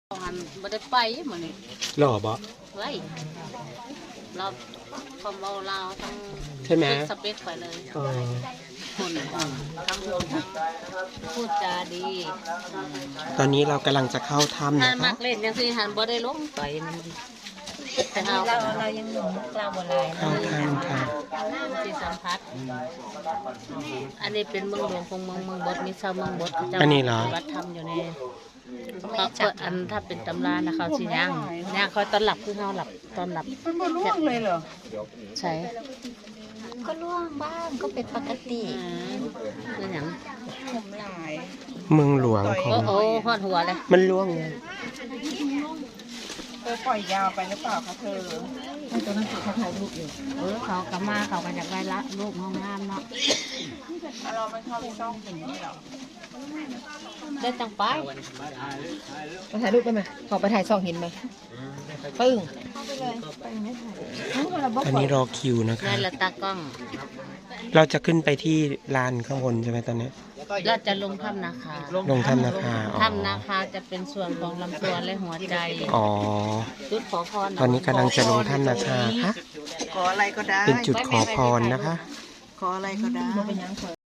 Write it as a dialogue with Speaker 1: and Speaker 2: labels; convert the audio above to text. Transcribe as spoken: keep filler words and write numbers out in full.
Speaker 1: หันบ่ได้ไปมื้อนี้
Speaker 2: หล่อบ่
Speaker 1: เฮ้ยเราคอมเบาลาวทั้ง
Speaker 2: ใช่ไหม
Speaker 1: สเปคไปเลย
Speaker 2: อ๋อ
Speaker 1: คนทั้งคนทั้งพูดจาดี
Speaker 2: ตอนนี้เรากำลังจะเข้าถ้ำ
Speaker 1: หัน
Speaker 2: นะ
Speaker 1: มั
Speaker 2: คะ
Speaker 1: กเล่นจังซี่หันบ่ได้ลงไปแต่
Speaker 3: เรา
Speaker 1: เฮา
Speaker 3: เรายังหนุ่มกลางโบราณ
Speaker 2: เข้าถ้ำค่ะ
Speaker 1: สิสัมผัสอันนี้เป็นเมืองหลวงของเมืองเมืองบดมีชาวเมืองบดเขาจะ
Speaker 2: อันนี้เหรอ
Speaker 1: วัดธรรมอยู่ในเขาเปิดอันถ้าเป็นตำรานะเขาสิย่างย่างเขาต้อนรับคือเฮาหลับต้อนรับ
Speaker 3: มันบ่ร่วงเลยเหรอ
Speaker 1: ใช่
Speaker 3: ก็ร่วงบ้างก็เป็นปกติ
Speaker 1: อืมคือหยัง
Speaker 3: ผมหลาย
Speaker 2: เมืองหลวงขอ
Speaker 1: โอ้
Speaker 2: ง
Speaker 1: โหฮอดหัวเลย
Speaker 2: มันล่วงเลย
Speaker 3: เธอปล่อยยาวไปหรือเปล่าคะเธอไอ้ตัวนั้นเขาถ่ายรูปอยู่
Speaker 1: เออเขากลับมาเขาก็อยากได้ละรูปห้องน้ำเนาะ
Speaker 3: เราไม่เข้าไปซ่องถึงนี่หรอ
Speaker 1: ได้ตังไป
Speaker 4: มาถ่ายรูปไปไหมขอไปถ่ายซองหินไหมปึ้ง
Speaker 2: อันนี้รอคิวนะคะ
Speaker 1: ได้ละตากล้อง
Speaker 2: เราจะขึ้นไปที่ลานข้างบนใช่ไหมตอนนี้
Speaker 1: เราจะลงถ้ำนาคา
Speaker 2: ลงถ้ำนาคาอ๋อ
Speaker 1: ถ้ำนาคาจะเป็นส่วนของลำตัวและหัวใจ
Speaker 2: อ๋อ
Speaker 1: จุดขอพร
Speaker 2: ตอนนี้กำลังจะลงถ้ำนาคาค่ะ
Speaker 3: ขออะไรก็ได้
Speaker 2: เป็นจุดขอพรนะคะ
Speaker 3: ขออะไรก็ได้